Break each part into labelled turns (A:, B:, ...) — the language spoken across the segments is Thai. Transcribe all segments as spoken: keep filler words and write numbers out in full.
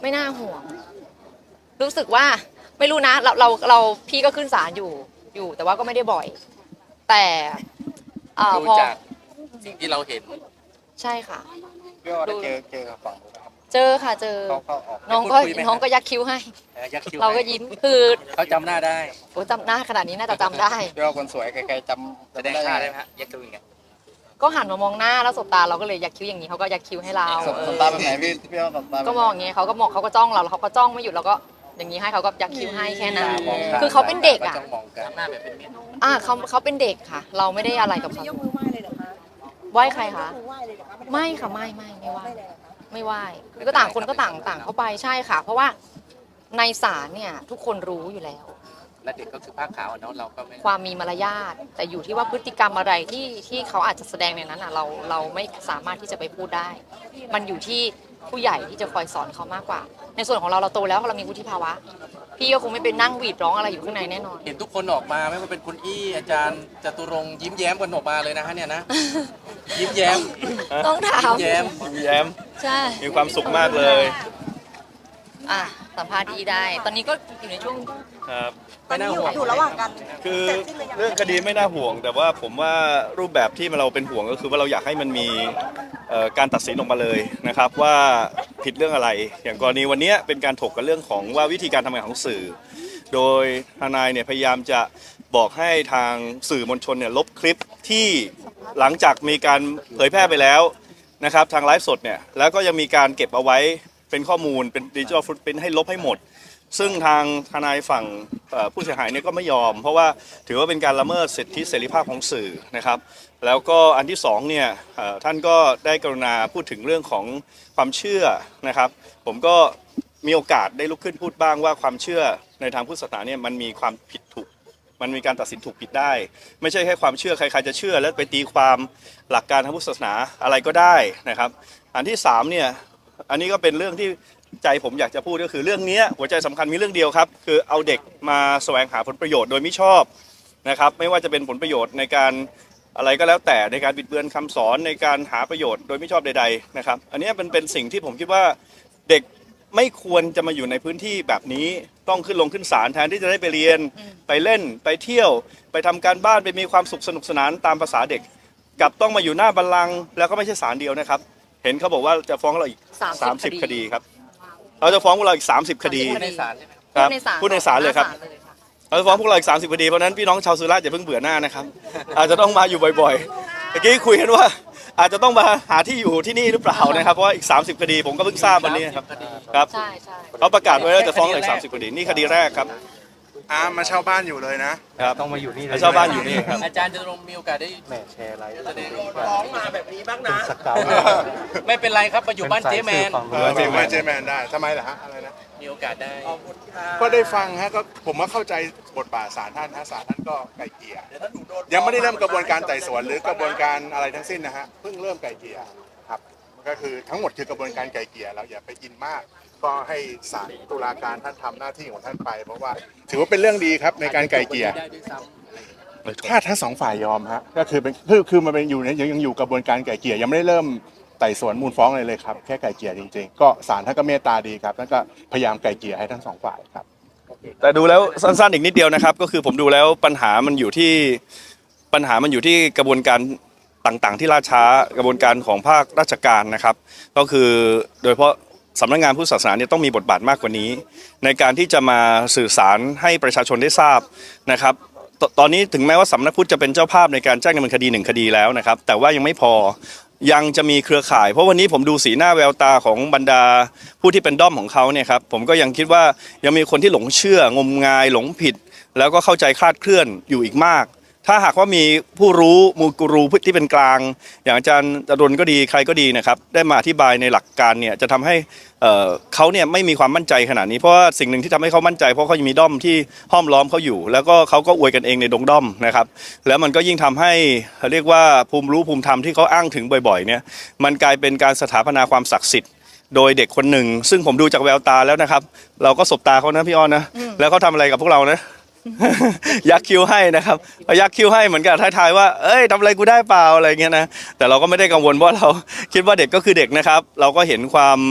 A: ไม่น่าห่วงรู้สึกว่าไม่รู้นะเราเราเราพี่ก็ขึ้นศาลอยู่อยู่ แต่ว่าก็ไม่ได้บ่อย แต่
B: ดูจากสิ่งที่เราเห็น
A: ใช่ค่ะ
C: พี่ว่าได้เจอเจอกับฝั่งนู้นนะครับ
A: เจอค่ะเจอน้องก็น้องก็ยักคิ้วให้เราก็ยิ้มคือ
B: เขาจำหน้าได้
A: โอ้จำหน้าขนาดนี้น่าจะจำได้
C: พี่ว่าคนสวยใครๆจ
B: ำแสดงท่าได้ไหมฮะยักคิ้วยังไง
A: ก็หันมามองหน้าแล้วสบตาเราก็เลยยักคิ้วอย่างนี้เขาก็ยักคิ้วให้เรา
C: สบตาแบบไหนพี่พี่ว่าสบตา
A: ก็มองอย่างเงี้ยเขาก็มองเขาก็จ้องเราแล้วเขาก็จ้องไม่หยุดแล้วก็อย่างนี้ให้เขาก็ยักคิ้วให้แค่นั้นคือเขาเป็นเด็กอ่ะอ่าเขาเขาเป็นเด็กค่ะ เราไม่ได้อะไรกับเขา
D: ยกมือไหว้เลยเหรอคะ
A: ไหว้ใครคะ
D: ไหว้เลยเหรอคะ
A: ไม่ค่ะไม่ไม่ไม่ไหว้ไม่ไหว้ก็ต่างคนก็ต่างต่างเข้าไปใช่ค่ะ เพราะว่าในศาลเนี่ยทุกคนรู้อยู่แล้ว
B: และเด็กก็คือผ้าขาวเนาะเราก็ไม่
A: ความมีมารยาทแต่อยู่ที่ว่าพฤติกรรมอะไรที่ที่เขาอาจจะแสดงในนั้นอ่ะเราเราไม่สามารถที่จะไปพูดได้มันอยู่ที่ผู้ใหญ่ที่จะคอยสอนเขามากกว่า ในส่วนของเราเราโตแล้วเรามีวุฒิภาวะพี่ก็คงไม่เป็นนั่งหวีดร้องอะไรอยู่ข้างในแน่นอน
B: เห็นทุกคนออกมาไม่ว่าเป็นคุณอี้อาจารย์จตุรงค์ยิ้มแย้มกันออกมาเลยนะฮะเนี่ยนะยิ้มแย้ม
A: ต้องถาม
B: ยิ้มแย้ม
C: ยิ้มแย้ม
A: ใช่
C: มีความสุขมากเลย
A: อ่ะสัมภาษณ์ดีได้ตอนนี้ก็อยู่ในช่วง
C: ครับ
D: ตอนนี้อยู่อยู่ระหว่างกัน
C: คือเรื่องคดีไม่น่าห่วงแต่ว่าผมว่ารูปแบบที่เราเป็นห่วงก็คือว่าเราอยากให้มันมีการตัดสินออกมาเลยนะครับว่าผิดเรื่องอะไรอย่างกรณีวันนี้เป็นการถกกันเรื่องของว่าวิธีการทำงานของสื่อโดยทนายเนี่ยพยายามจะบอกให้ทางสื่อมวลชนเนี่ยลบคลิปที่หลังจากมีการเผยแพร่ไปแล้วนะครับทางไลฟ์สดเนี่ยแล้วก็ยังมีการเก็บเอาไว้เป็นข้อมูลเป็นดิจิทัลฟุตปริ้นท์ให้ลบให้หมดซึ่งทางทนายฝั่งผู้เสียหายเนี่ยก็ไม่ยอมเพราะว่าถือว่าเป็นการละเมิดสิทธิเสรีภาพของสื่อนะครับแล้วก็อันที่สองเนี่ยท่านก็ได้กรุณาพูดถึงเรื่องของความเชื่อนะครับผมก็มีโอกาสได้ลุกขึ้นพูดบ้างว่าความเชื่อในทางพุทธศาสนาเนี่ยมันมีความผิดถูกมันมีการตัดสินถูกผิดได้ไม่ใช่แค่ความเชื่อใครๆจะเชื่อแล้วไปตีความหลักการทางพุทธศาสนาอะไรก็ได้นะครับอันที่สามเนี่ยอันนี้ก็เป็นเรื่องที่ใจผมอยากจะพูดก็คือเรื่องนี้หัวใจสำคัญมีเรื่องเดียวครับคือเอาเด็กมาแสวงหาผลประโยชน์โดยไม่ชอบนะครับไม่ว่าจะเป็นผลประโยชน์ในการอะไรก็แล้วแต่ในการบิดเบือนคำสอนในการหาประโยชน์โดยไม่ชอบใดๆนะครับอันนี้เป็นเป็นสิ่งที่ผมคิดว่าเด็กไม่ควรจะมาอยู่ในพื้นที่แบบนี้ต้องขึ้นลงขึ้นศาลแทนที่จะได้ไปเรียนไปเล่นไปเที่ยวไปทำการบ้านไปมีความสุขสนุกสนานตามภาษาเด็กกลับต้องมาอยู่หน้าบัลลังก์แล้วก็ไม่ใช่ศาลเดียวนะครับเห็นเขาบอกว่าจะฟ้องเราอีกสามสิบคดีครับเราจะฟ้องพวกเราอีกสามสิบคดี
B: ในศาลใช่ไหม
C: ครับพูดในศาลเลยครับเราจะฟ้องพวกเราอีกสามสิบคดีเพราะนั้นพี่น้องชาวสุราษฎร์อย่าเพิ่งเบื่อหน้านะครับอาจจะต้องมาอยู่บ่อยๆเมื่อกี้คุยกันว่าอาจจะต้องมาหาที่อยู่ที่นี่หรือเปล่านะครับเพราะว่าอีกสามสิบคดีผมก็เพิ่งทราบวันนี้ครับครับเขาประกาศไว้ว่าจะฟ้องอีกสามสิบคดีนี่คดีแรกครับ
E: อามาเช่าบ้านอยู่เลยนะครับ
C: ต้องมาอยู่นี่เช่าบ้านอยู่นี่ครับ
B: อาจารย์จะลงมีโอกาสได้
C: แหมแชร์ไลฟ์แสดง
D: ร้องมาแบบนี้บ้างนะ
C: สเกล
B: ไม่เป็นไรครับมาอยู่บ้านเจ๊แมน
E: เจแมนเจแมนได้ทำไมล่ะฮะอะไรนะ
B: มีโอกาสได้
E: ก็ได้ฟังฮะก็ผมว่าเข้าใจบทบาทศาลท่านฮะศาลท่านก็ไกลเกลี่ยยังไม่ได้เริ่มกระบวนการไต่สวนหรือกระบวนการอะไรทั้งสิ้นนะฮะเพิ่งเริ่มไกลเกลี่ยครับก็คือทั้งหมดคือกระบวนการไกลเกลี่ยเราอย่าไปอินมากก็ให้ศาลตุลาการท่านทำหน้าที่ของท่านไปเพราะว่าถือว่าเป็นเรื่องดีครับในการไกลเกลี่ยถ้าทั้งสองฝ่ายยอมฮะก็คือเป็นคือคือมันเป็นอยู่เนี่ยยังอยู่กระบวนการไกลเกลี่ยยังไม่ได้เริ่มไต่สวนมูลฟ้องเลยเลยครับแค่ไกลเกลี่ยจริงๆก็ศาลท่านก็เมตตาดีครับท่านก็พยายามไกลเกลี่ยให้ทั้งสองฝ่ายครับ
C: แต่ดูแล้วสั้นๆอีกนิดเดียวนะครับก็คือผมดูแล้วปัญหามันอยู่ที่ปัญหามันอยู่ที่กระบวนการต่างๆที่ล่าช้ากระบวนการของภาคราชการนะครับก็คือโดยเฉพาะสำนักงานพุทธศาสนาเนี่ยต้องมีบทบาทมากกว่านี้ในการที่จะมาสื่อสารให้ประชาชนได้ทราบนะครับต, ตอนนี้ถึงแม้ว่าสำนักพุทธจะเป็นเจ้าภาพในการแจ้งดำเนินคดีหนึ่งคดีแล้วนะครับแต่ว่ายังไม่พอยังจะมีเครือข่ายเพราะวันนี้ผมดูสีหน้าแววตาของบรรดาผู้ที่เป็นด้อมของเขาเนี่ยครับผมก็ยังคิดว่ายังมีคนที่หลงเชื่องมงายหลงผิดแล้วก็เข้าใจคลาดเคลื่อนอยู่อีกมากถ้าหากว่ามีผู้รู้มูกูรูที่เป็นกลางอย่างอาจารย์จรนก็ดีใครก็ดีนะครับได้มาอธิบายในหลักการเนี่ยจะทำให้เขาเนี่ยไม่มีความมั่นใจขนาดนี้เพราะว่าสิ่งหนึ่งที่ทำให้เขามั่นใจเพราะเขายังมีด้อมที่ห้อมล้อมเขาอยู่แล้วก็เขาก็อวยกันเองในดงด้อมนะครับแล้วมันก็ยิ่งทำให้เรียกว่าภูมิรู้ภูมิธรรมที่เขาอ้างถึงบ่อยๆเนี่ยมันกลายเป็นการสถาปนาความศักดิ์สิทธิ์โดยเด็กคนหนึ่งซึ่งผมดูจากแววตาแล้วนะครับเราก็สบตาเขานะพี่อ้อนนะแล้วเขาทำอะไรกับพวกเรานะยักคิ้วให้นะครับยักคิ้วให้เหมือนกับทายๆว่าเอ้ยทำอะไรกูได้เปล่าอะไรเงี้ยนะแต่เราก็ไม่ได้กังวลเพราะเราคิดว่าเด็กก็คือเด็กนะครับเราก็เห็นความ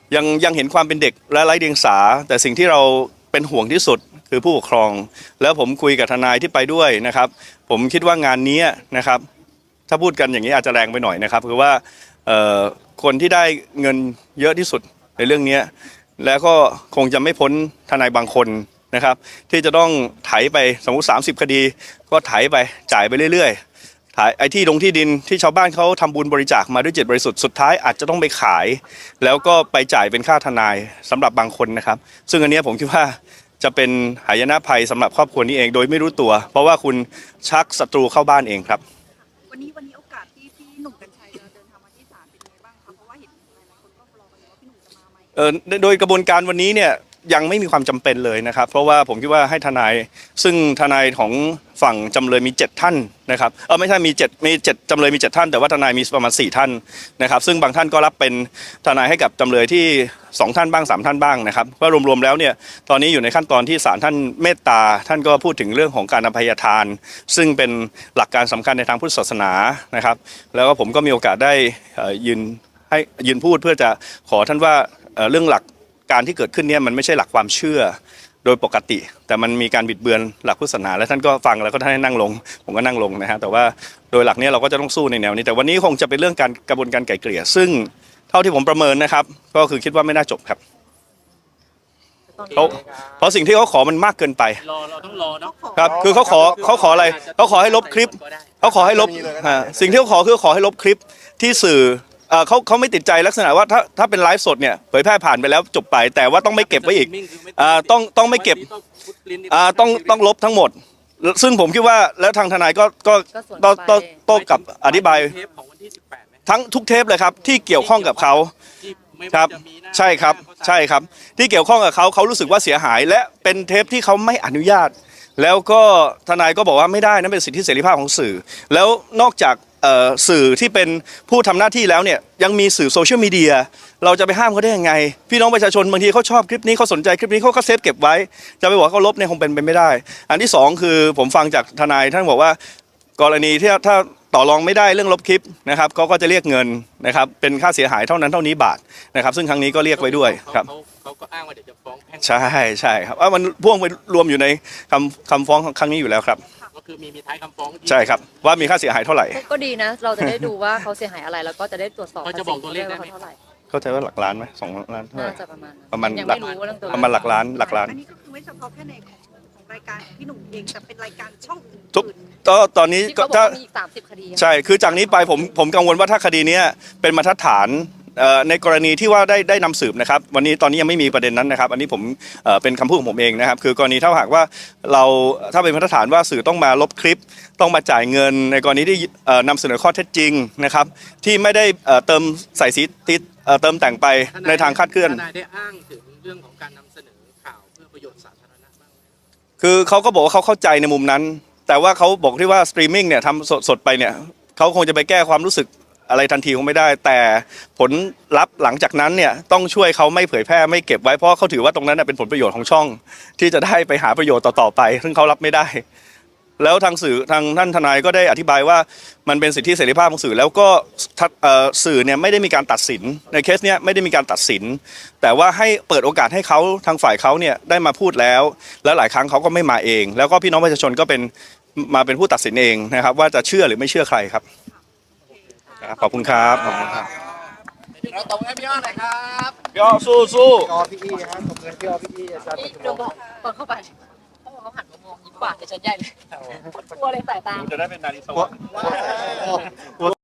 C: ยังยังเห็นความเป็นเด็กและไร้เดียงสาแต่สิ่งที่เราเป็นห่วงที่สุดคือผู้ปกครอง แล้วผมคุยกับทนายที่ไปด้วยนะครับ ผมคิดว่างานนี้นะครับถ้าพูดกันอย่างนี้อาจจะแรงไปหน่อยนะครับคือว่าเอ่อคนที่ได้เงินเยอะที่สุดในเรื่องนี้แล้วก็คงจะไม่พ้นทนายบางคนนะครับที่จะต้องไถไปสมมติสามสิบคดีก็ไถไปจ่ายไปเรื่อยๆถ่ายไอ้ที่ลงที่ดินที่ชาวบ้านเขาทำบุญบริจาคมาด้วยจิตบริสุทธิ์สุดท้ายอาจจะต้องไปขาย แล้วก็ไปจ่ายเป็นค่าทนายสำหรับบางคนนะครับซึ่งอันนี้ผมคิดว่าจะเป็นหายนะภัยสำหรับครอบครัวนี้เองโดยไม่รู้ตัว เพราะว่าคุณชักศัตรูเข้าบ้านเองครับ
D: วันนี้วันนี้โอกาสที่พี่หนุ่มกัญชัยจะเดินทางมาที่ศาลเป็นยังไงบ้างคะเพราะว่าเห็นหลายๆคนก็รอกันอยู่ว่าพี่หนุ่มจะมาไหม
C: เอ่อโดยกระบวนการวันนี้เนี่ยยังไม่มีความจำเป็นเลยนะครับ เพราะว่าผมคิดว่าให้ทนายซึ่งทนายของฝั่งจำเลยมีเจ็ดท่านนะครับเออไม่ใช่มีเจ็ดมีเจ็ดจำเลยมีเจ็ดท่านแต่ว่าทนายมีประมาณสี่ท่านนะครับซึ่งบางท่านก็รับเป็นทนายให้กับจำเลยที่สองท่านบ้างสามท่านบ้างนะครับว่ารวมๆแล้วเนี่ยตอนนี้อยู่ในขั้นตอนที่ศาลท่านเมตตาท่านก็พูดถึงเรื่องของการอภัยทาน ซึ่งเป็นหลักการสำคัญในทางพุทธศาสนานะครับแล้วก็ผมก็มีโอกาสได้เอ่อยืนให้ยืนพูดเพื่อจะขอท่านว่าเอ่อเรื่องหลักการที่เกิดขึ้นเนี่ยมันไม่ใช่หลักความเชื่อโดยปกติ แต่มันมีการบิดเบือนหลักพุทธศาสนาและท่านก็ฟังแล้วก็ท่านให้นั่งลงผมก็นั่งลงนะฮะแต่ว่าโดยหลักเนี้เราก็จะต้องสู้ในแนวนี้แต่วันนี้คงจะเป็นเรื่องการกระบวนการไกล่เกลี่ยซึ่งเท่าที่ผมประเมินนะครับก็คือคิดว่าไม่น่าจบครับเขาเพราะสิ่งที่เขาขอมันมากเกินไป
B: รอเราต้องรอเนาะ
C: ครับคือเขาขอเขาขออะไรเขาขอให้ลบคลิปเขาขอให้ลบอ่าสิ่งที่เขาขอคือขอให้ลบคลิปที่สื่อเอ่อเขาเขาไม่ติดใจลักษณะว่าถ้าถ้าเป็นไลฟ์สดเนี่ยเผยแพร่ผ่านไปแล้วจบไปแต่ว่าต้องไม่เก็บไว้อีกอ่าต้องต้องไม่เก็บอ่าต้องต้องลบทั้งหมด ซึ่งผมคิดว่าแล้วทางทนายก็ก็
A: ก็ส่วน
C: ต้อง
A: ไป
C: ต้องต้องกับอธิบาย
B: เทปของวันที่สิบแปดไหม
C: ทั้งทุกเทปเลยครับที่เกี่ยวข้องกับเขา
B: ที่ไม่
C: ค
B: ว่า
C: รับ
B: จะมีหน้า
C: ใช่ครับ
B: หน้า
C: ใช่ครับที่เกี่ยวข้องกับเขาเขารู้สึกว่าเสียหาย และเป็นเทปที่เขาไม่อนุญาต แล้วก็ทนายก็บอกว่าไม่ได้นั่นเป็นสิทธิเสรีภาพของสื่อ แล้วนอกจากเอ่อสื่อที่เป็นผู้ทำหน้าที่แล้วเนี่ยยังมีสื่อโซเชียลมีเดียเราจะไปห้ามเขาได้ยังไง พี่น้องประชาชนบางทีเขาชอบคลิปนี้เขาสนใจคลิปนี้เขาก็เซฟเก็บไว้ จะไปบอกว่าเขาลบเนี่ยคงเป็นไปไม่ได้ อันที่สองคือผมฟังจากทนายท่านบอกว่ากรณีที่ถ้าต่อรองไม่ได้เรื่องลบคลิปนะครับเขาก็จะเรียกเงินนะครับเป็นค่าเสียหายเท่านั้นเท่านี้บาทนะครับซึ่งครั้งนี้ก็เรียกไว้ด้วยครับ
B: เขาเขาก็อ้างว่าเดี๋ยวจะฟ้องแพ่ง
C: ใช่ใช่ครับว่ามันพ่วงไปรวมอยู่ในคำคำฟ้องครั้งนี้อยู่แล้วครับ
B: ก็คือมีมีท้ายคำฟ้องที่
C: ใช่ครับว่ามีค่าเสียหายเท่าไหร่
A: ก็ดีนะ เราจะได้ดูว่าเขาเสียหายอะไรแล้วก็จะได้ตรวจสอบ
B: เขาจะบอกตัวเลขได้ไหม
A: ว่าเขาเท่าไหร่
C: เข้าใจว่าหลักล้านไหมสองล้านเท่าไห
A: น่า
C: ร่
A: จะประมาณนั้น
C: ประมาณ
A: ยัง
C: หลั
A: ไม่
C: ก
A: รู้ว่าเรื่องตัวเลข
C: ประมาณหลักล้านหลักล้าน
D: อันนี้ก็คือไม่เฉพาะแค่ในของของรายการของพี่หนุ่มเองแต่เป็นรายการช่องอื่น
C: ทุกก็ตอนนี้
A: ที่
C: ก็
A: เขาบอก
C: ถ้า
A: ว่ามีอีกสามสิบคดี
C: ใช่คือจากนี้ไปผมผมกังวลว่าถ้าคดีเนี้ยเป็นบรรทัดฐานเอ่อในกรณีที่ว่าได้ได้นำสืบนะครับวันนี้ตอนนี้ยังไม่มีประเด็นนั้นนะครับอันนี้ผมเอ่อเป็นคำพูดของผมเองนะครับคือกรณีถ้าหากว่าเราถ้าเป็นบรรทัดฐานว่าสื่อต้องมาลบคลิป ต้องมาจ่ายเงิน ในกรณีที่เอ่อนำเสนอข้อเท็จจริงนะครับที่ไม่ได้เอ่อเติมใส่สีติดเอ่อเติมแต่งไปในทางคลาดเคลื่อน
B: ทนายได้อ้างถึงเรื่องของการนำเสนอข่าวเพื่อประโยชน์สาธารณะบ้างไหม
C: คือเขาก็บอกว่าเขาเข้าใจในมุมนั้น แต่ว่าเขาบอกที่ว่าสตรีมมิ่งเนี่ยทำสดสดไปเนี่ยเขาคงจะไปแก้ความรู้สึกอะไรทันทีคงไม่ได้ แต่ผลลัพธ์หลังจากนั้นเนี่ยต้องช่วยเขาไม่เผยแพร่ไม่เก็บไว้เพราะเขาถือว่าตรงนั้นนะเป็นผลประโยชน์ของช่อง ที่จะได้ไปหาประโยชน์ต่อๆไป ซึ่งเขารับไม่ได้ แล้วทางสื่อทางท่านทนายก็ได้อธิบายว่ามันเป็นสิทธิเสรีภาพของสื่อแล้วก็ทัดเอ่อสื่อเนี่ยไม่ได้มีการตัดสินในเคสเนี้ยไม่ได้มีการตัดสิน แต่ว่าให้เปิดโอกาสให้เขาทางฝ่ายเขาเนี่ยได้มาพูดแล้ว แล้วหลายครั้งเขาก็ไม่มาเอง แล้วก็พี่น้องประชาชนก็เป็นมาเป็นผู้ตัดสินเองนะครับว่าจะเชื่อหรือไม่เชื่อใครครับครับขอบคุณครับขอบคุณครับ
B: เราตรงให้พี่อ้อหน่อยครับ
C: พี่อ้อสู้สู้
E: อพี่อี้ฮะผมเงินพี่อพี่อี้อาจารย์
A: นี่เดี๋ยวบอกตอนเข้าไปเขาบอกเขาหันมามองยิ้มหวานแต่ฉันใหญ่เลยกลัวเลยสายตา
C: จะได้เป็นนาฬิกา